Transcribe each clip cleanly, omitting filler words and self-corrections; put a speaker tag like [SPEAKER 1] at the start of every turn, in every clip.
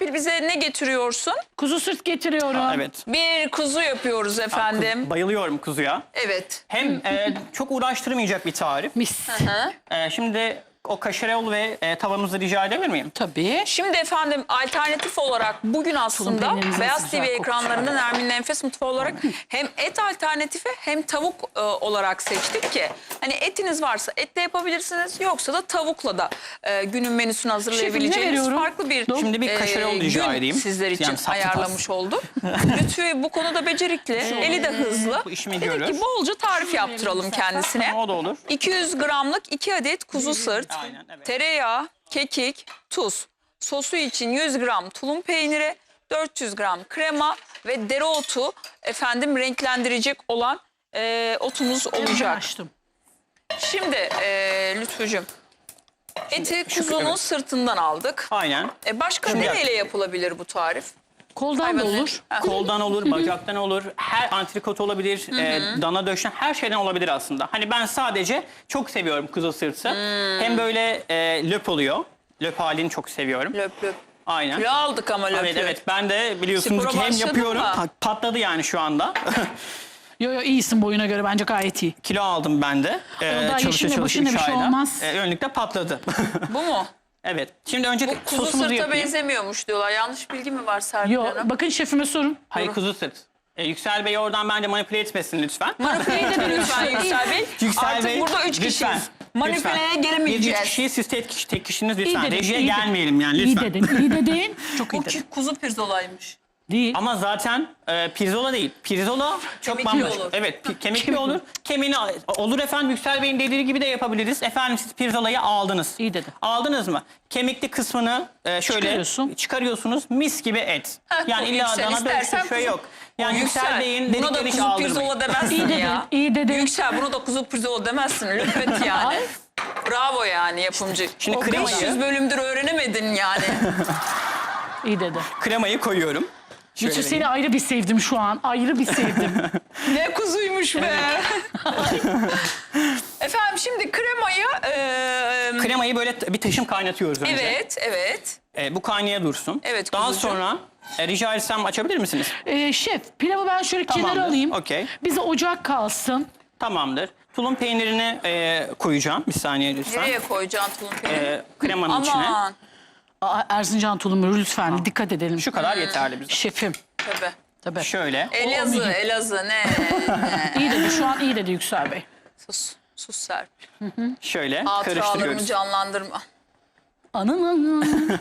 [SPEAKER 1] Serpil bize ne getiriyorsun?
[SPEAKER 2] Kuzu sırt getiriyorum.
[SPEAKER 3] Evet.
[SPEAKER 1] Bir kuzu yapıyoruz efendim.
[SPEAKER 3] Bayılıyorum kuzuya.
[SPEAKER 1] Evet.
[SPEAKER 3] Hem çok uğraştırmayacak bir tarif.
[SPEAKER 2] Mis.
[SPEAKER 3] Şimdi o kaşarol ve tavamızı rica edebilir miyim?
[SPEAKER 2] Tabii.
[SPEAKER 1] Şimdi efendim alternatif olarak bugün aslında
[SPEAKER 2] peynirimiz
[SPEAKER 1] Beyaz
[SPEAKER 2] nasıl
[SPEAKER 1] TV
[SPEAKER 2] güzel
[SPEAKER 1] ekranlarında Nermin'in Enfes Mutfağı olarak hem et alternatifi hem tavuk olarak seçtik ki hani etiniz varsa etle yapabilirsiniz, yoksa da tavukla da günün menüsünü hazırlayabileceğiniz
[SPEAKER 2] veriyorum?
[SPEAKER 1] farklı bir
[SPEAKER 3] Şimdi bir kaşarol rica
[SPEAKER 1] gün
[SPEAKER 3] edeyim.
[SPEAKER 1] sizler için
[SPEAKER 3] Yani saplı
[SPEAKER 1] ayarlamış olduk. Lütfü bu konuda becerikli, eli de hızlı.
[SPEAKER 3] Bu işimi
[SPEAKER 1] Dedik
[SPEAKER 3] görür.
[SPEAKER 1] ki bolca tarif yaptıralım kendisine.
[SPEAKER 3] O da olur.
[SPEAKER 1] 200 gramlık 2 adet kuzu sırt,
[SPEAKER 3] Aynen, evet.
[SPEAKER 1] tereyağı, kekik, tuz. Sosu için 100 gram tulum peyniri, 400 gram krema ve dereotu efendim renklendirecek olan otumuz olacak.
[SPEAKER 2] Açtım.
[SPEAKER 1] Şimdi Lütfücüğüm, eti
[SPEAKER 3] şu-
[SPEAKER 1] kuzunun
[SPEAKER 3] evet.
[SPEAKER 1] sırtından aldık.
[SPEAKER 3] Aynen.
[SPEAKER 1] Başka
[SPEAKER 3] Şimdi-
[SPEAKER 1] nereyle yapılabilir bu tarif?
[SPEAKER 2] Koldan da
[SPEAKER 1] Hayvanın-
[SPEAKER 2] olur.
[SPEAKER 1] Ha.
[SPEAKER 3] Koldan olur, bacaktan olur, her antrikot olabilir, dana döşen her şeyden olabilir aslında. Hani ben sadece çok seviyorum kuzu sırtı. Hem böyle löp oluyor. Löp halini çok seviyorum.
[SPEAKER 1] Löp löp.
[SPEAKER 3] Aynen.
[SPEAKER 1] Kilo aldık ama löp
[SPEAKER 3] Evet
[SPEAKER 1] löp.
[SPEAKER 3] evet, ben de biliyorsunuz
[SPEAKER 1] Spora
[SPEAKER 3] ki hem
[SPEAKER 1] başladın
[SPEAKER 3] yapıyorum,
[SPEAKER 1] mı?
[SPEAKER 3] patladı yani şu anda.
[SPEAKER 2] Yo iyisin boyuna göre, bence gayet iyi.
[SPEAKER 3] Kilo aldım ben de.
[SPEAKER 2] daha yeşille başında bir şey olmaz.
[SPEAKER 3] Önlükte patladı.
[SPEAKER 1] Bu mu?
[SPEAKER 3] Evet. Şimdi önce
[SPEAKER 1] Bu kuzu
[SPEAKER 3] sosumuzu
[SPEAKER 1] sırta
[SPEAKER 3] yapayım.
[SPEAKER 1] benzemiyormuş diyorlar. Yanlış bilgi mi var Serpil
[SPEAKER 2] Yo
[SPEAKER 1] Hanım?
[SPEAKER 2] bakın şefime sorun.
[SPEAKER 3] Hayır, kuzu sırt. Yüksel Bey oradan bence manipüle etmesin lütfen.
[SPEAKER 1] Manipüle edelim lütfen Yüksel Bey.
[SPEAKER 3] Yüksel
[SPEAKER 1] Artık
[SPEAKER 3] Bey,
[SPEAKER 1] burada 3
[SPEAKER 3] lütfen,
[SPEAKER 1] kişiyiz. Manipüleye
[SPEAKER 3] lütfen.
[SPEAKER 1] gelemeyeceğiz.
[SPEAKER 3] Biz 3 kişiyiz, siz tek kişiniz
[SPEAKER 2] İyi
[SPEAKER 3] lütfen.
[SPEAKER 2] dedin,
[SPEAKER 3] Rejiye
[SPEAKER 2] iyi dedin.
[SPEAKER 3] gelmeyelim yani
[SPEAKER 2] İyi
[SPEAKER 3] lütfen.
[SPEAKER 2] dedin, iyi dedin. Çok iyi
[SPEAKER 1] Bu
[SPEAKER 2] dedin.
[SPEAKER 1] kuzu pirzolaymış.
[SPEAKER 2] Değil.
[SPEAKER 3] Ama zaten pirzola değil. Pirzola çok
[SPEAKER 1] Kemikli
[SPEAKER 3] bambaşka.
[SPEAKER 1] olur.
[SPEAKER 3] Evet, kemikli olur. Kemiğini olur efendim, Yüksel Bey'in dediği gibi de yapabiliriz. Efendim siz pirzolayı aldınız.
[SPEAKER 2] İyi dedin.
[SPEAKER 3] Aldınız mı? Kemikli kısmını şöyle çıkarıyorsunuz. Mis gibi et. Yani illa
[SPEAKER 1] Yüksel,
[SPEAKER 3] dana
[SPEAKER 1] istersen
[SPEAKER 3] dönüşü şey
[SPEAKER 1] kuzu-
[SPEAKER 3] yok. Yani Yüksel Bey'in
[SPEAKER 1] buna da
[SPEAKER 3] dediklerini hiç
[SPEAKER 1] kuzu
[SPEAKER 3] aldırmayın.
[SPEAKER 1] pirzola demezsin
[SPEAKER 2] İyi dedin,
[SPEAKER 1] ya.
[SPEAKER 2] iyi dedin.
[SPEAKER 1] Yüksel buna da kuzu pirzola demezsin. Lütfen yani. Bravo yani yapımcı.
[SPEAKER 3] Şimdi
[SPEAKER 1] O
[SPEAKER 3] kremayı-
[SPEAKER 1] 500 bölümdür öğrenemedin yani.
[SPEAKER 2] İyi dedi.
[SPEAKER 3] Kremayı koyuyorum. Şöyle
[SPEAKER 2] Lütfü seni
[SPEAKER 3] vereyim.
[SPEAKER 2] ayrı bir sevdim şu an. Ayrı bir sevdim.
[SPEAKER 1] Ne kuzuymuş be. Efendim şimdi kremayı...
[SPEAKER 3] Kremayı böyle bir taşım kaynatıyoruz önce.
[SPEAKER 1] evet, evet.
[SPEAKER 3] Bu kaynaya dursun.
[SPEAKER 1] Evet,
[SPEAKER 3] Daha
[SPEAKER 1] kuzucuğum.
[SPEAKER 3] sonra rica etsem açabilir misiniz?
[SPEAKER 2] Şef pilavı ben şöyle kenara
[SPEAKER 3] Tamamdır,
[SPEAKER 2] alayım.
[SPEAKER 3] okey.
[SPEAKER 2] Bize ocak kalsın.
[SPEAKER 3] Tamamdır. Tulum peynirini koyacağım. Bir saniye lütfen.
[SPEAKER 1] Nereye koyacaksın tulum peyniri?
[SPEAKER 3] Kremanın içine.
[SPEAKER 1] Aman.
[SPEAKER 2] Erzincan tulumu lütfen dikkat edelim.
[SPEAKER 3] Şu kadar yeterli bize.
[SPEAKER 2] Şefim.
[SPEAKER 1] Tabii.
[SPEAKER 2] Tabii.
[SPEAKER 3] Şöyle.
[SPEAKER 1] Elazığ, Elazığ ne?
[SPEAKER 2] İyi dedi, şu an iyi dedi Yüksel Bey.
[SPEAKER 1] Sus, sus Serpil.
[SPEAKER 3] Şöyle
[SPEAKER 1] Hatıralarımı
[SPEAKER 3] karıştırıyoruz.
[SPEAKER 1] canlandırma.
[SPEAKER 2] Anın.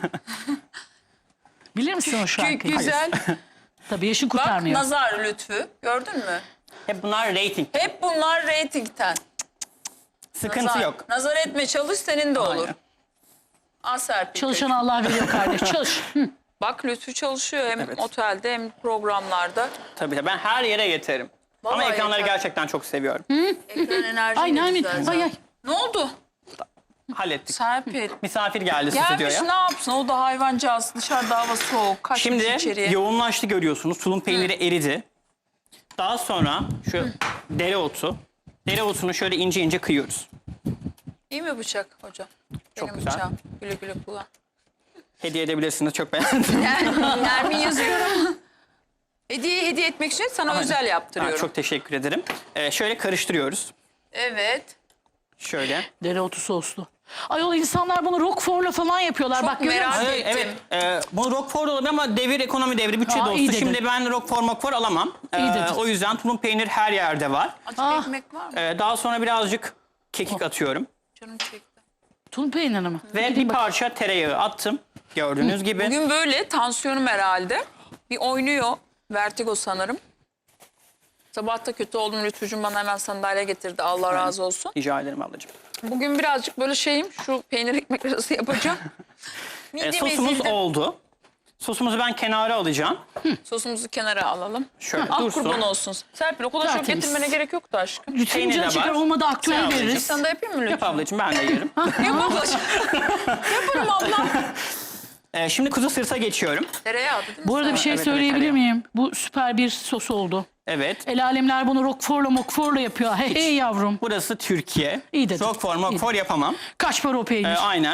[SPEAKER 2] Bilir misin o şarkıyı?
[SPEAKER 1] Güzel.
[SPEAKER 2] Tabii yaşın
[SPEAKER 1] Bak
[SPEAKER 2] kurtarmıyor.
[SPEAKER 1] nazar lütfü. Gördün mü?
[SPEAKER 3] Hep bunlar rating.
[SPEAKER 1] Hep bunlar reytingten.
[SPEAKER 3] Sıkıntı
[SPEAKER 1] Nazar.
[SPEAKER 3] yok.
[SPEAKER 1] Nazar etme, çalış, senin de olur.
[SPEAKER 3] Aynen.
[SPEAKER 1] Al Serpil.
[SPEAKER 2] Çalışan Allah veriyor kardeş. Çalış. Hı.
[SPEAKER 1] Bak Lütfü çalışıyor hem
[SPEAKER 3] Evet.
[SPEAKER 1] otelde hem programlarda.
[SPEAKER 3] Tabii ben her yere yeterim. Ama
[SPEAKER 1] Vallahi
[SPEAKER 3] ekranları
[SPEAKER 1] yeter.
[SPEAKER 3] gerçekten çok seviyorum.
[SPEAKER 1] Ekran enerji
[SPEAKER 2] Ay
[SPEAKER 1] de
[SPEAKER 2] Nermin.
[SPEAKER 1] güzel
[SPEAKER 2] Ay
[SPEAKER 1] zaten.
[SPEAKER 2] ay.
[SPEAKER 1] Ne oldu?
[SPEAKER 3] Hallettik.
[SPEAKER 1] Serpil.
[SPEAKER 3] Misafir geldi
[SPEAKER 1] Gelmiş
[SPEAKER 3] stüdyoya.
[SPEAKER 1] ne yapsın? O da hayvancağız. Dışarıda hava soğuk. Kaçmış
[SPEAKER 3] Şimdi
[SPEAKER 1] içeriye.
[SPEAKER 3] yoğunlaştı görüyorsunuz. Tulum peyniri eridi. Daha sonra şu dereotu. Dereotunu şöyle ince ince kıyıyoruz.
[SPEAKER 1] İyi mi bıçak hocam?
[SPEAKER 3] Çok
[SPEAKER 1] Benim
[SPEAKER 3] güzel.
[SPEAKER 1] bıçağım. Güle güle kullan.
[SPEAKER 3] Hediye edebilirsiniz. Çok beğendim.
[SPEAKER 1] Nermin yazıyorum. Hediye etmek için sana özel yaptırıyorum.
[SPEAKER 3] Çok teşekkür ederim. Şöyle karıştırıyoruz.
[SPEAKER 1] Evet.
[SPEAKER 3] Şöyle.
[SPEAKER 2] Dereotu soslu. Ayol insanlar bunu roquefort'la falan yapıyorlar.
[SPEAKER 1] Çok
[SPEAKER 2] Bak görüyor musun?
[SPEAKER 1] merak
[SPEAKER 3] Evet,
[SPEAKER 1] ettim.
[SPEAKER 3] evet. Bu Roquefort olabilir ama devir ekonomi devri, bütçe
[SPEAKER 2] Aa, iyi
[SPEAKER 3] dostu.
[SPEAKER 2] dedin.
[SPEAKER 3] Şimdi ben Roquefort alamam.
[SPEAKER 2] İyi dedin.
[SPEAKER 3] O yüzden tulum peynir her yerde var.
[SPEAKER 1] Açık
[SPEAKER 2] Ah.
[SPEAKER 1] ekmek var mı?
[SPEAKER 3] Daha sonra birazcık kekik atıyorum.
[SPEAKER 1] Canım çekti.
[SPEAKER 2] Tulum peyniri mi?
[SPEAKER 3] Ve bir parça tereyağı attım. Gördüğünüz gibi.
[SPEAKER 1] Bugün böyle tansiyonum herhalde. Bir oynuyor. Vertigo sanırım. Sabah da kötü oldum. Lütfücüğüm bana hemen sandalye getirdi. Allah razı olsun.
[SPEAKER 3] Rica ederim ablacığım.
[SPEAKER 1] Bugün birazcık böyle şeyim. Şu peynir ekmek arası yapacağım. Midem
[SPEAKER 3] Sosumuz
[SPEAKER 1] ezildi.
[SPEAKER 3] oldu. Sosumuzu ben kenara alacağım.
[SPEAKER 1] Sosumuzu kenara alalım.
[SPEAKER 3] Şöyle
[SPEAKER 1] Ah
[SPEAKER 3] dursun.
[SPEAKER 1] kurban olsun. Serpil o kadar çok
[SPEAKER 2] Tertemiz.
[SPEAKER 1] getirmene gerek yoktu aşkım.
[SPEAKER 2] Lütfen
[SPEAKER 3] Peynir de
[SPEAKER 2] canı
[SPEAKER 3] var.
[SPEAKER 2] çeker, olmadı aktüel
[SPEAKER 3] Sağ ol
[SPEAKER 2] veririz.
[SPEAKER 3] anneciğim.
[SPEAKER 1] Sen de yapayım mı
[SPEAKER 3] Yap
[SPEAKER 1] lütfen?
[SPEAKER 3] ablacığım, ben de yerim.
[SPEAKER 1] Yap ablacığım. Yaparım ablam.
[SPEAKER 3] Şimdi kuzu sırta geçiyorum.
[SPEAKER 1] Tereyağı değil mi?
[SPEAKER 2] Bu arada bir şey
[SPEAKER 3] Evet,
[SPEAKER 2] söyleyebilir
[SPEAKER 3] tereyağı.
[SPEAKER 2] miyim? Bu süper bir sos oldu.
[SPEAKER 3] Evet.
[SPEAKER 2] El alemler bunu roquefort'la yapıyor. Hey yavrum.
[SPEAKER 3] Burası Türkiye.
[SPEAKER 2] İyi dedin.
[SPEAKER 3] Roquefort yapamam.
[SPEAKER 2] Kaç para o peynir?
[SPEAKER 3] Aynen.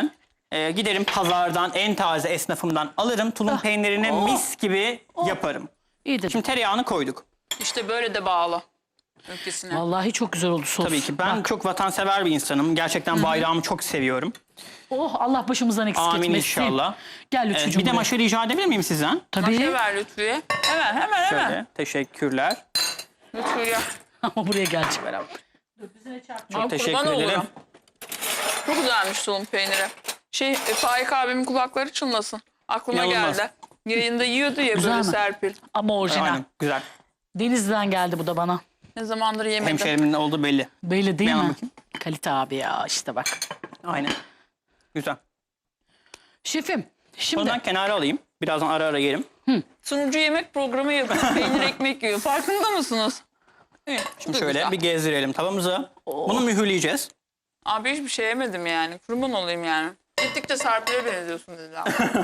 [SPEAKER 3] Giderim pazardan en taze esnafımdan alırım. Tulum peynirini mis gibi yaparım.
[SPEAKER 2] İyidir.
[SPEAKER 3] Şimdi tereyağını koyduk.
[SPEAKER 1] İşte böyle de bağlı ülkesine.
[SPEAKER 2] Vallahi çok güzel oldu sos.
[SPEAKER 3] Tabii ki ben
[SPEAKER 2] Bak.
[SPEAKER 3] çok vatansever bir insanım. Gerçekten bayrağımı çok seviyorum.
[SPEAKER 2] Oh, Allah başımızdan eksik
[SPEAKER 3] Amin
[SPEAKER 2] etmesin.
[SPEAKER 3] inşallah.
[SPEAKER 2] Gel Lütfücüğüm
[SPEAKER 3] Bir de
[SPEAKER 2] buraya.
[SPEAKER 3] maşa rica edebilir miyim sizden?
[SPEAKER 2] Tabii.
[SPEAKER 1] Maşa ver Lütfü'ye. Hemen.
[SPEAKER 3] Şöyle teşekkürler.
[SPEAKER 1] Lütfü'ye.
[SPEAKER 2] Ama buraya gelecek.
[SPEAKER 3] Çok teşekkür ederim.
[SPEAKER 1] Çok güzelmiş tulum peyniri. Faik abimin kulakları çınlasın. Aklıma
[SPEAKER 3] İnanılmaz.
[SPEAKER 1] geldi. Yayında yiyordu ya
[SPEAKER 2] Güzel
[SPEAKER 1] böyle
[SPEAKER 2] mi?
[SPEAKER 1] Serpil.
[SPEAKER 2] Ama orijinal.
[SPEAKER 3] Aynen güzel.
[SPEAKER 2] Denizli'den geldi bu da bana.
[SPEAKER 1] Ne zamandır yemedim.
[SPEAKER 3] Hemşerimin ne olduğu belli.
[SPEAKER 2] Belli değil
[SPEAKER 3] Ben
[SPEAKER 2] mi?
[SPEAKER 3] bakayım.
[SPEAKER 2] Kalite abi ya işte bak.
[SPEAKER 3] Aynen. Güzel.
[SPEAKER 2] Şefim şimdi
[SPEAKER 3] Bundan kenara alayım. Birazdan ara ara yerim.
[SPEAKER 1] Sunucu yemek programı yapıyor. Peynir ekmek yiyor. Farkında mısınız? İyi, bu da
[SPEAKER 3] Şöyle
[SPEAKER 1] güzel.
[SPEAKER 3] bir gezdirelim tavamızı. Bunu mühürleyeceğiz.
[SPEAKER 1] Abi hiçbir şey yemedim yani. Kurban olayım yani. Gittikçe Serpil'e benziyorsun dediler.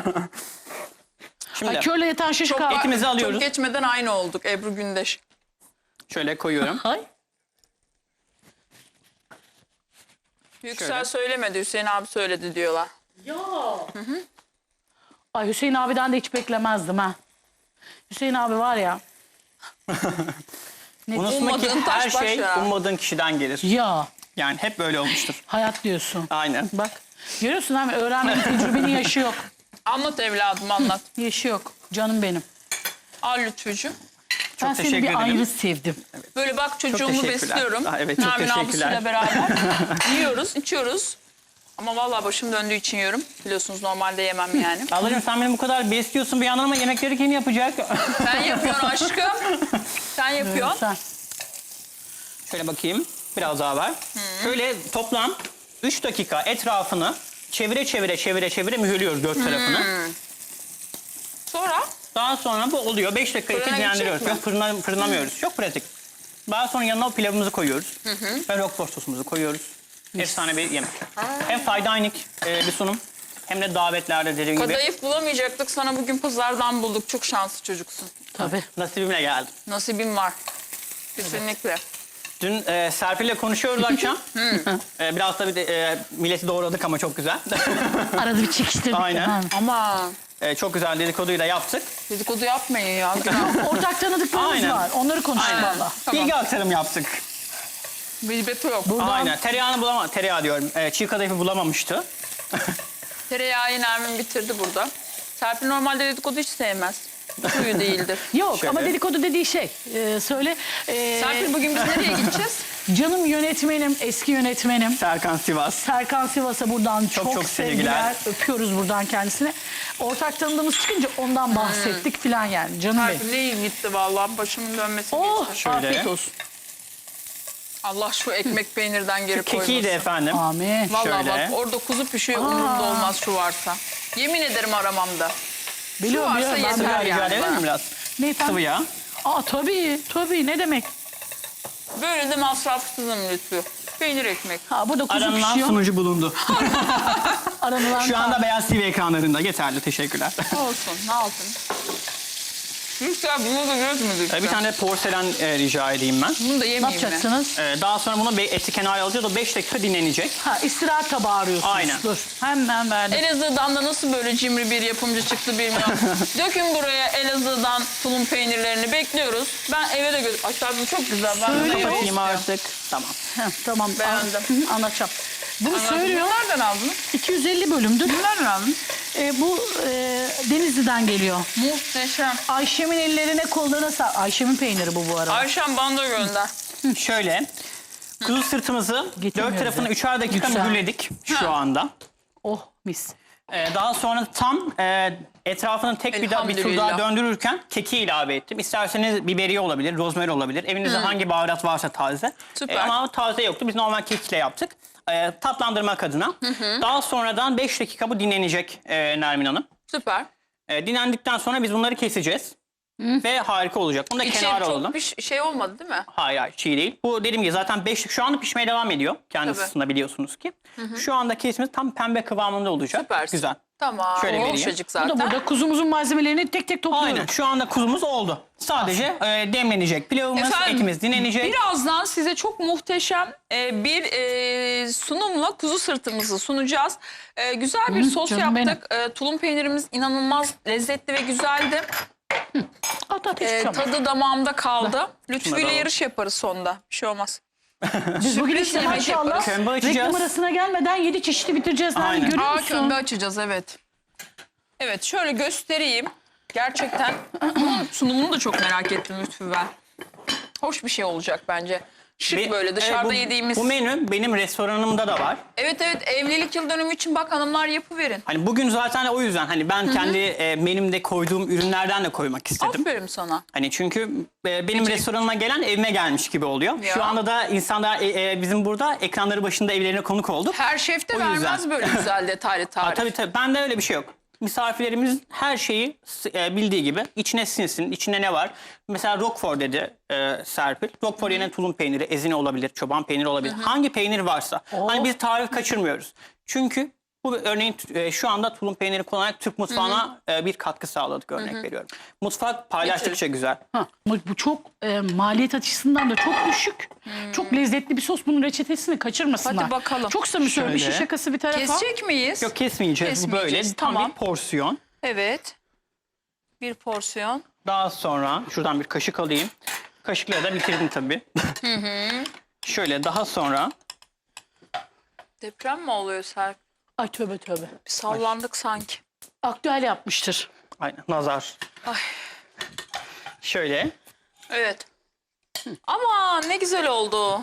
[SPEAKER 3] Şimdi
[SPEAKER 2] körle yatan şiş
[SPEAKER 1] Çok,
[SPEAKER 2] kaldı.
[SPEAKER 3] etimizi alıyoruz.
[SPEAKER 1] Çok geçmeden aynı olduk Ebru Gündeş.
[SPEAKER 3] şöyle koyuyorum.
[SPEAKER 2] Ay.
[SPEAKER 1] Yüksel
[SPEAKER 3] Şöyle.
[SPEAKER 1] söylemedi Hüseyin abi söyledi diyorlar.
[SPEAKER 2] Ya. Ay Hüseyin abiden de hiç beklemezdim ha. Hüseyin abi var ya.
[SPEAKER 3] Unutma ki
[SPEAKER 1] Ummadığın taş
[SPEAKER 3] her
[SPEAKER 1] baş
[SPEAKER 3] şey
[SPEAKER 1] yarar.
[SPEAKER 3] ummadığın kişiden gelir.
[SPEAKER 2] Ya.
[SPEAKER 3] Yani hep böyle olmuştur.
[SPEAKER 2] Hayat diyorsun.
[SPEAKER 3] Aynen.
[SPEAKER 2] Bak. Görüyorsun abi öğrenmenin tecrübenin yaşı yok.
[SPEAKER 1] Anlat evladım anlat.
[SPEAKER 2] Yaşı yok. Canım benim.
[SPEAKER 1] Al Lütfücüğüm.
[SPEAKER 2] Ben seni
[SPEAKER 3] teşekkür
[SPEAKER 2] bir
[SPEAKER 3] ederim.
[SPEAKER 2] ayrı sevdim.
[SPEAKER 1] Böyle bak çocuğumu
[SPEAKER 3] teşekkürler.
[SPEAKER 1] besliyorum.
[SPEAKER 3] Evet, çok
[SPEAKER 1] Nermin
[SPEAKER 3] teşekkürler.
[SPEAKER 1] abisiyle beraber yiyoruz, içiyoruz. Ama vallahi başım döndüğü için yiyorum. Biliyorsunuz normalde yemem yani.
[SPEAKER 3] Ablacığım sen beni bu kadar besliyorsun bir yandan ama yemekleri kim yapacak?
[SPEAKER 1] Sen yapıyorsun aşkım. Sen yapıyorsun.
[SPEAKER 2] Sen.
[SPEAKER 3] Şöyle bakayım. Biraz daha var. Şöyle toplam 3 dakika etrafını çevire mühürlüyoruz dört tarafını.
[SPEAKER 1] Sonra
[SPEAKER 3] Daha sonra bu oluyor. 5 dakika
[SPEAKER 1] Fırına
[SPEAKER 3] dinlendiriyoruz.
[SPEAKER 1] gidecek
[SPEAKER 3] Yok fırınlamıyoruz. Çok pratik. Daha sonra yanına o pilavımızı koyuyoruz. Ve roquefort sosumuzu koyuyoruz. Efsane bir yemek. Hem faydanik bir sunum hem de davetlerde dediğim gibi
[SPEAKER 1] kadayıf bulamayacaktık. Sana bugün pazardan bulduk. Çok şanslı çocuksun.
[SPEAKER 2] Tabii.
[SPEAKER 3] nasibimle geldi.
[SPEAKER 1] Nasibin var. Kesinlikle.
[SPEAKER 3] Dün Serpil'le konuşuyoruz akşam. Biraz tabii de, milleti doğradık ama çok güzel.
[SPEAKER 2] Arada bir çekiştirdik.
[SPEAKER 3] Aynen.
[SPEAKER 2] Ha.
[SPEAKER 1] Ama
[SPEAKER 3] Çok güzel dedikoduyu da yaptık.
[SPEAKER 1] dedikodu yapmayın ya. Günah.
[SPEAKER 2] Ortak tanıdıklarımız
[SPEAKER 3] Aynen.
[SPEAKER 2] var. Onları konuştuk
[SPEAKER 3] Aynen.
[SPEAKER 2] valla.
[SPEAKER 1] Tamam.
[SPEAKER 3] Bilgi aktarım yaptık.
[SPEAKER 1] Bilbeti yok.
[SPEAKER 3] Aynen. Tereyağı diyorum. Çiğ kadayıfı bulamamıştı.
[SPEAKER 1] Tereyağı Nermin bitirdi burada. Serpil normalde dedikodu hiç sevmez. Suyu değildir.
[SPEAKER 2] Yok
[SPEAKER 3] Şöyle.
[SPEAKER 2] ama dedikodu dediği şey. Söyle.
[SPEAKER 1] Serpil bugün biz nereye gideceğiz?
[SPEAKER 2] Canım yönetmenim, eski yönetmenim.
[SPEAKER 3] Serkan Sivas.
[SPEAKER 2] Serkan Sivas'a buradan çok,
[SPEAKER 3] çok
[SPEAKER 2] sevgiler.
[SPEAKER 3] sevgiler.
[SPEAKER 2] Öpüyoruz buradan kendisine. Ortak tanıdığımız çıkınca ondan bahsettik filan yani. Canım benim.
[SPEAKER 1] Serpil iyi gitti vallahi. Başımın dönmesi
[SPEAKER 2] Oh
[SPEAKER 1] geçti.
[SPEAKER 3] Şöyle.
[SPEAKER 2] afiyet olsun.
[SPEAKER 1] Allah şu ekmek peynirden geri
[SPEAKER 3] Kekiği de
[SPEAKER 1] koymasın.
[SPEAKER 3] efendim.
[SPEAKER 2] Amin.
[SPEAKER 1] Vallahi
[SPEAKER 3] Şöyle.
[SPEAKER 1] bak orada kuzu pişiyor umurumda olmaz şu varsa. Yemin ederim aramamda.
[SPEAKER 2] Biliyorum
[SPEAKER 1] varsa
[SPEAKER 2] biliyorum. Ben
[SPEAKER 1] yeter
[SPEAKER 2] biliyorum.
[SPEAKER 3] Rica
[SPEAKER 1] yani
[SPEAKER 3] edebilir miyim
[SPEAKER 1] bana.
[SPEAKER 3] biraz?
[SPEAKER 2] Ne efendim?
[SPEAKER 3] Sıvı yağ.
[SPEAKER 2] Aa tabii ne demek.
[SPEAKER 1] Böyle de masrafsızım Lütfü. Peynir ekmek.
[SPEAKER 2] Ha burada kuzu
[SPEAKER 3] Aranılan
[SPEAKER 2] pişiyor.
[SPEAKER 3] sunucu bulundu.
[SPEAKER 2] Aranılan
[SPEAKER 3] Şu anda Beyaz TV ekranlarında. Yeterli. Teşekkürler.
[SPEAKER 1] Olsun ne yapın. Lütfen bunu da gözmüdür.
[SPEAKER 3] Bir tane porselen rica edeyim ben.
[SPEAKER 1] Bunu da
[SPEAKER 2] ne
[SPEAKER 1] yemeyeyim mi?
[SPEAKER 2] yapacaksınız?
[SPEAKER 3] Daha sonra bunu eti kenara alacağız. O 5 dakika dinlenecek.
[SPEAKER 2] Ha istirahat tabağı arıyorsunuz.
[SPEAKER 3] Aynen.
[SPEAKER 2] Dur hemen verdim.
[SPEAKER 1] Elazığ'dan da nasıl böyle cimri bir yapımcı çıktı bilmiyorum. Dökün buraya Elazığ'dan tulum peynirlerini bekliyoruz. Ben eve de aşağıda çok güzel. Ben de
[SPEAKER 2] Söyle
[SPEAKER 1] eve
[SPEAKER 2] bakayım
[SPEAKER 3] Bakayım
[SPEAKER 1] istiyorum.
[SPEAKER 3] artık. Tamam.
[SPEAKER 2] Heh, tamam.
[SPEAKER 1] Beğendim.
[SPEAKER 2] Hı, anlatacağım. Bunu
[SPEAKER 1] Anladım.
[SPEAKER 2] söylüyor.
[SPEAKER 1] Nereden aldınız?
[SPEAKER 2] 250 bölümdür.
[SPEAKER 1] Nereden aldınız?
[SPEAKER 2] Bu Denizli'den geliyor.
[SPEAKER 1] Muhteşem.
[SPEAKER 2] Ayşem'in ellerine kollarına Ayşem'in peyniri bu arada.
[SPEAKER 1] Ayşem banda gönder.
[SPEAKER 3] Şöyle. Kuzu sırtımızı
[SPEAKER 2] Getirmiyoruz
[SPEAKER 3] dört tarafını
[SPEAKER 2] ya.
[SPEAKER 3] 3'er dakika
[SPEAKER 2] Güzel.
[SPEAKER 3] mühürledik
[SPEAKER 1] Ha.
[SPEAKER 3] şu anda.
[SPEAKER 2] Oh mis.
[SPEAKER 3] Daha sonra tam etrafını tek bir tur daha
[SPEAKER 1] Elhamdülillah.
[SPEAKER 3] döndürürken keki ilave ettim. İsterseniz biberiye olabilir, rozmari olabilir. Evinizde hangi baharat varsa taze.
[SPEAKER 1] Süper.
[SPEAKER 3] Ama taze yoktu. Biz normal kekle yaptık. Tatlandırmak adına. Daha sonradan 5 dakika bu dinlenecek Nermin Hanım.
[SPEAKER 1] Süper.
[SPEAKER 3] Dinlendikten sonra biz bunları keseceğiz. Ve harika olacak. Bunu da
[SPEAKER 1] İçi
[SPEAKER 3] kenara alalım.
[SPEAKER 1] çok bir şey olmadı değil mi?
[SPEAKER 3] Hayır çiğ değil. Bu dediğim gibi zaten 5 şu anda pişmeye devam ediyor. Kendi
[SPEAKER 1] Tabii.
[SPEAKER 3] ısısında biliyorsunuz ki. Şu anda kesimiz tam pembe kıvamında olacak.
[SPEAKER 1] Süpersin.
[SPEAKER 3] Güzel.
[SPEAKER 1] Tamam.
[SPEAKER 3] Şöyle vereyim.
[SPEAKER 1] Yumuşacık
[SPEAKER 2] Bu
[SPEAKER 1] zaten.
[SPEAKER 2] da burada kuzumuzun malzemelerini tek tek topluyorum.
[SPEAKER 3] Aynen. Şu anda kuzumuz oldu. Sadece demlenecek pilavımız,
[SPEAKER 1] Efendim,
[SPEAKER 3] etimiz dinlenecek.
[SPEAKER 1] Birazdan size çok muhteşem bir sunumla kuzu sırtımızı sunacağız. Güzel bir sos
[SPEAKER 2] canım
[SPEAKER 1] yaptık. Tulum peynirimiz inanılmaz lezzetli ve güzeldi.
[SPEAKER 2] At hiç şey olmaz.
[SPEAKER 1] Tadı damağımda kaldı. Lütfü ile
[SPEAKER 3] alalım.
[SPEAKER 1] yarış yaparız sonda. Bir şey olmaz.
[SPEAKER 2] Biz bugün
[SPEAKER 1] sürpriz
[SPEAKER 2] işte
[SPEAKER 1] yemek
[SPEAKER 2] maşallah
[SPEAKER 1] yaparız.
[SPEAKER 3] Kömbe açacağız.
[SPEAKER 2] reklam arasına gelmeden 7 çeşidi bitireceğiz. Nermin,
[SPEAKER 3] Aynen.
[SPEAKER 2] görüyor musun?
[SPEAKER 1] Kömbe açacağız, evet. Evet, şöyle göstereyim. Gerçekten bunun sunumunu da çok merak ettim Lütfü ben. Hoş bir şey olacak bence. Şık
[SPEAKER 3] Ve,
[SPEAKER 1] böyle dışarıda yediğimiz.
[SPEAKER 3] Bu menü benim restoranımda da var.
[SPEAKER 1] Evet, evlilik yıl dönümü için bak hanımlar yapıverin.
[SPEAKER 3] Hani bugün zaten o yüzden hani ben kendi menümde koyduğum ürünlerden de koymak istedim.
[SPEAKER 1] Aferin sana.
[SPEAKER 3] Hani çünkü benim restoranıma gelen evime gelmiş gibi oluyor.
[SPEAKER 1] Ya.
[SPEAKER 3] Şu anda da insanlar bizim burada ekranları başında evlerine konuk olduk.
[SPEAKER 1] Her şef de
[SPEAKER 3] O yüzden.
[SPEAKER 1] vermez böyle güzel detaylı tarif.
[SPEAKER 3] Tabii bende öyle bir şey yok. Misafirlerimiz her şeyi bildiği gibi içine sinsin. İçinde ne var? Mesela Roquefort dedi Serpil. Roquefort yerine tulum peyniri, ezine olabilir, çoban peyniri olabilir. Hangi peynir varsa. Hani biz tarif kaçırmıyoruz. Çünkü bu örneğin şu anda tulum peyniri kullanarak Türk mutfağına bir katkı sağladık, örnek veriyorum. Mutfak paylaştıkça güzel.
[SPEAKER 2] Ha, bu çok maliyet açısından da çok düşük. Çok lezzetli bir sos. Bunun reçetesini kaçırmasınlar.
[SPEAKER 1] Hadi bakalım.
[SPEAKER 2] Çok samimi söylüyorum.
[SPEAKER 3] Şöyle.
[SPEAKER 2] İşin şakası bir tarafa.
[SPEAKER 1] Kesecek miyiz?
[SPEAKER 3] Yok kesmeyeceğiz. Bu böyle
[SPEAKER 1] Kesmeyeceğiz,
[SPEAKER 3] tam
[SPEAKER 1] tamam.
[SPEAKER 3] bir porsiyon.
[SPEAKER 1] Evet. Bir porsiyon.
[SPEAKER 3] Daha sonra şuradan bir kaşık alayım. Kaşıkla da bitirdim tabii. Şöyle daha sonra
[SPEAKER 1] Deprem mi oluyor Serp?
[SPEAKER 2] Ay tövbe tövbe.
[SPEAKER 1] Bir sallandık sanki.
[SPEAKER 2] Aktüel yapmıştır.
[SPEAKER 3] aynen nazar.
[SPEAKER 1] Ay.
[SPEAKER 3] Şöyle
[SPEAKER 1] Evet. Ama ne güzel oldu.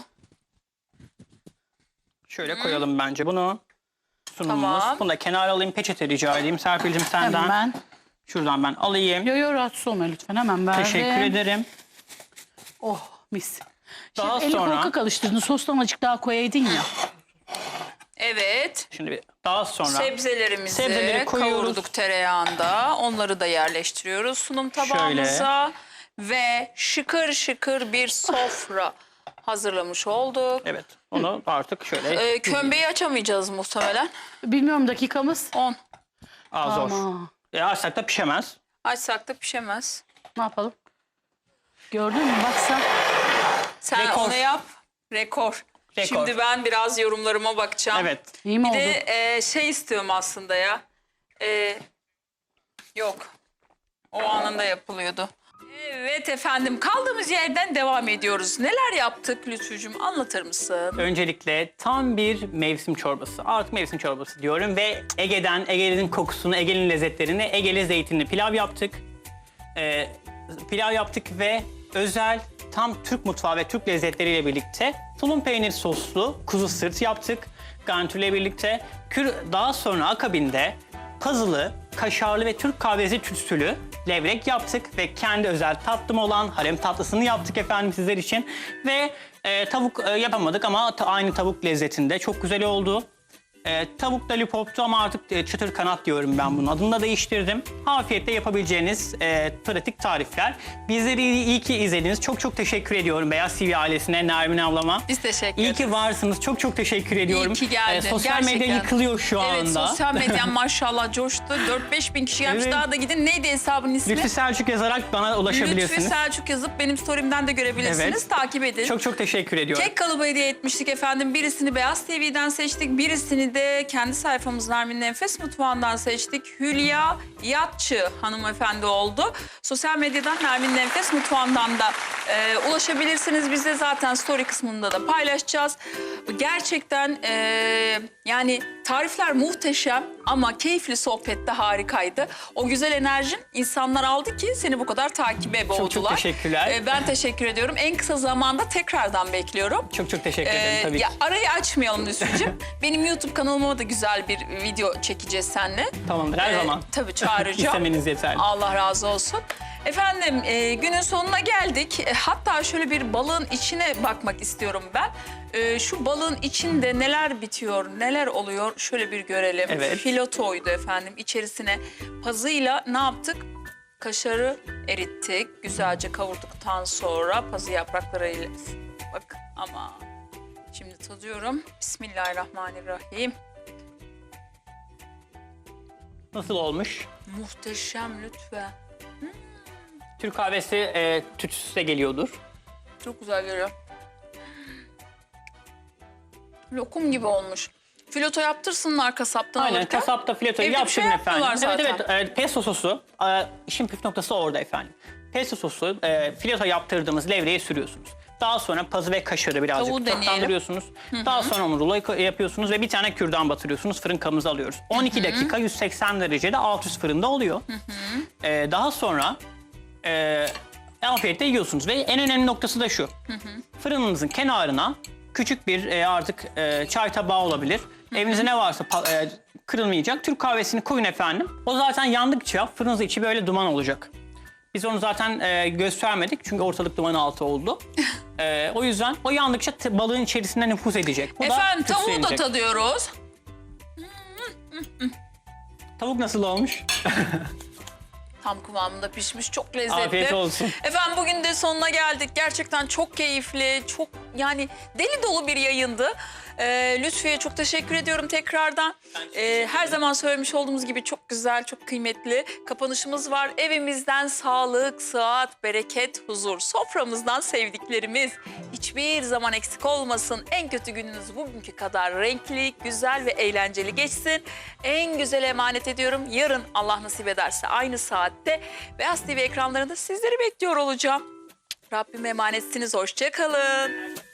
[SPEAKER 3] şöyle koyalım bence bunu. Sunumumuz.
[SPEAKER 1] Tamam.
[SPEAKER 3] Bunu da kenara alayım. Peçete rica edeyim. Serpil'cim senden.
[SPEAKER 2] Hemen.
[SPEAKER 3] Şuradan ben alayım.
[SPEAKER 2] Yo rahatsız olma lütfen. Hemen verdim.
[SPEAKER 3] Teşekkür ederim.
[SPEAKER 2] Oh mis.
[SPEAKER 3] Daha
[SPEAKER 2] Şimdi eli
[SPEAKER 3] sonra-
[SPEAKER 2] korkak alıştırdın. Sostan azıcık daha koyaydın ya.
[SPEAKER 1] Evet.
[SPEAKER 3] Şimdi daha sonra
[SPEAKER 1] Sebzelerimizi
[SPEAKER 3] Sebzeleri koyuyoruz.
[SPEAKER 1] kavurduk tereyağında. Onları da yerleştiriyoruz sunum tabağımıza. Ve şıkır şıkır bir sofra hazırlamış olduk.
[SPEAKER 3] evet onu artık şöyle
[SPEAKER 1] Kömbeyi açamayacağız muhtemelen.
[SPEAKER 2] Bilmiyorum dakikamız.
[SPEAKER 1] 10.
[SPEAKER 3] zor.
[SPEAKER 2] Ama
[SPEAKER 3] Açsak da pişemez.
[SPEAKER 1] Açsak da pişemez.
[SPEAKER 2] ne yapalım? Gördün mü? Baksa.
[SPEAKER 1] Sen
[SPEAKER 3] Rekor.
[SPEAKER 1] onu yap. Rekor.
[SPEAKER 3] Rekor.
[SPEAKER 1] Şimdi ben biraz yorumlarıma bakacağım.
[SPEAKER 3] Evet.
[SPEAKER 2] İyi mi
[SPEAKER 1] Bir
[SPEAKER 2] oldu?
[SPEAKER 1] de şey istiyorum aslında ya. Yok. O anında yapılıyordu. Evet efendim, kaldığımız yerden devam ediyoruz. Neler yaptık Lütfücüğüm, anlatır mısın?
[SPEAKER 3] Öncelikle tam bir mevsim çorbası. Artık mevsim çorbası diyorum ve Ege'nin kokusunu, Ege'nin lezzetlerini, Ege'li zeytinli pilav yaptık. Pilav yaptık ve özel tam Türk mutfağı ve Türk lezzetleriyle birlikte tulum peynir soslu kuzu sırt yaptık. Garnitürle birlikte. Daha sonra akabinde pazılı, kaşarlı ve Türk kahvesi tütsülü levrek yaptık ve kendi özel tatlım olan harem tatlısını yaptık efendim sizler için. Ve tavuk yapamadık ama aynı tavuk lezzetinde çok güzel oldu. Tavuk lollipoptu ama artık çıtır kanat diyorum ben bunun adını da değiştirdim. Afiyetle yapabileceğiniz pratik tarifler. Bizleri iyi ki izlediniz. Çok teşekkür ediyorum Beyaz TV ailesine, Nermin ablama.
[SPEAKER 1] Biz teşekkür
[SPEAKER 3] İyi
[SPEAKER 1] ederiz.
[SPEAKER 3] ki varsınız. Çok teşekkür ediyorum.
[SPEAKER 1] İyi ki geldin.
[SPEAKER 3] Sosyal medya
[SPEAKER 1] Gerçekten.
[SPEAKER 3] yıkılıyor şu
[SPEAKER 1] Evet,
[SPEAKER 3] anda.
[SPEAKER 1] sosyal medyan maşallah coştu. 4-5 bin kişi gelmiş.
[SPEAKER 3] Evet.
[SPEAKER 1] Daha da gidin. Neydi hesabın ismi?
[SPEAKER 3] Lütfü Selçuk yazarak bana ulaşabilirsiniz.
[SPEAKER 1] Lütfü Selçuk yazıp benim story'imden de görebilirsiniz.
[SPEAKER 3] Evet.
[SPEAKER 1] Takip edin.
[SPEAKER 3] Çok teşekkür ediyorum.
[SPEAKER 1] Kek kalıbı hediye etmiştik efendim. Birisini Beyaz TV'den seçtik. Birisini de kendi sayfamız Nermin'in Enfes Mutfağı'ndan seçtik. Hülya Yatçı hanımefendi oldu. Sosyal medyadan Nermin'in Enfes Mutfağı'ndan da ulaşabilirsiniz. Biz de zaten story kısmında da paylaşacağız. Gerçekten yani tarifler muhteşem ama keyifli sohbet de harikaydı. O güzel enerjin insanlar aldı ki seni bu kadar takibe boğdular.
[SPEAKER 3] Çok teşekkürler.
[SPEAKER 1] Ben teşekkür ediyorum. En kısa zamanda tekrardan bekliyorum.
[SPEAKER 3] Çok teşekkür ederim tabii ki.
[SPEAKER 1] Ya arayı açmayalım Lütfücüğüm. Benim YouTube kanalıma da güzel bir video çekeceğiz seninle.
[SPEAKER 3] Tamamdır her zaman.
[SPEAKER 1] Tabii çağıracağım.
[SPEAKER 3] İstemeniz yeterli.
[SPEAKER 1] Allah razı olsun. Efendim günün sonuna geldik. Hatta şöyle bir balığın içine bakmak istiyorum ben. Şu balığın içinde neler bitiyor, neler oluyor şöyle bir görelim.
[SPEAKER 3] Evet.
[SPEAKER 1] Filotoydu efendim. İçerisine pazıyla ne yaptık? Kaşarı erittik. Güzelce kavurduktan sonra pazı yapraklarıyla... Bak ama şimdi tadıyorum. Bismillahirrahmanirrahim.
[SPEAKER 3] Nasıl olmuş?
[SPEAKER 1] Muhteşem lütfen.
[SPEAKER 3] Türk kahvesi tütsüsü de geliyordur.
[SPEAKER 1] Çok güzel geliyor. Lokum gibi olmuş. Fileto yaptırsınlar kasaptan
[SPEAKER 3] Aynen,
[SPEAKER 1] alırken.
[SPEAKER 3] kasapta filetoyu
[SPEAKER 1] Evde bir
[SPEAKER 3] yaptırın
[SPEAKER 1] şey
[SPEAKER 3] efendim.
[SPEAKER 1] yapmıyorlar
[SPEAKER 3] Evet
[SPEAKER 1] zaten.
[SPEAKER 3] evet, pesto sosu, işin püf noktası orada efendim. Pesto sosu, fileto yaptırdığımız levreye sürüyorsunuz. Daha sonra pazı ve kaşarı birazcık
[SPEAKER 1] Tavuğu deneyelim.
[SPEAKER 3] tatlandırıyorsunuz. Daha sonra onu rulo yapıyorsunuz ve bir tane kürdan batırıyorsunuz. Fırın kabımıza alıyoruz. 12 dakika 180 derecede alt üst fırında oluyor. Daha sonra afiyetle yiyorsunuz ve en önemli noktası da şu. Fırınınızın kenarına küçük bir artık çay tabağı olabilir. Evinizde ne varsa kırılmayacak Türk kahvesini koyun efendim. O zaten yandıkça fırınızın içi böyle duman olacak. Biz onu zaten göstermedik çünkü ortalık duman altı oldu. O yüzden o yandıkça balığın içerisinde nüfuz edecek. Bu
[SPEAKER 1] Efendim
[SPEAKER 3] da
[SPEAKER 1] tavuğu da
[SPEAKER 3] tütsülenecek.
[SPEAKER 1] tadıyoruz.
[SPEAKER 3] Tavuk nasıl olmuş?
[SPEAKER 1] Tam kıvamında pişmiş, çok lezzetli.
[SPEAKER 3] Afiyet olsun.
[SPEAKER 1] Efendim bugün de sonuna geldik. Gerçekten çok keyifli, çok yani deli dolu bir yayındı. Lütfiye çok teşekkür ediyorum tekrardan. Her zaman söylemiş olduğumuz gibi çok güzel, çok kıymetli kapanışımız var. Evimizden sağlık, sıhhat, bereket, huzur. Soframızdan sevdiklerimiz hiçbir zaman eksik olmasın. En kötü gününüz bugünkü kadar renkli, güzel ve eğlenceli geçsin. En güzel emanet ediyorum. Yarın Allah nasip ederse aynı saatte Beyaz TV ekranlarında sizleri bekliyor olacağım. Rabbime emanetsiniz. Hoşça kalın.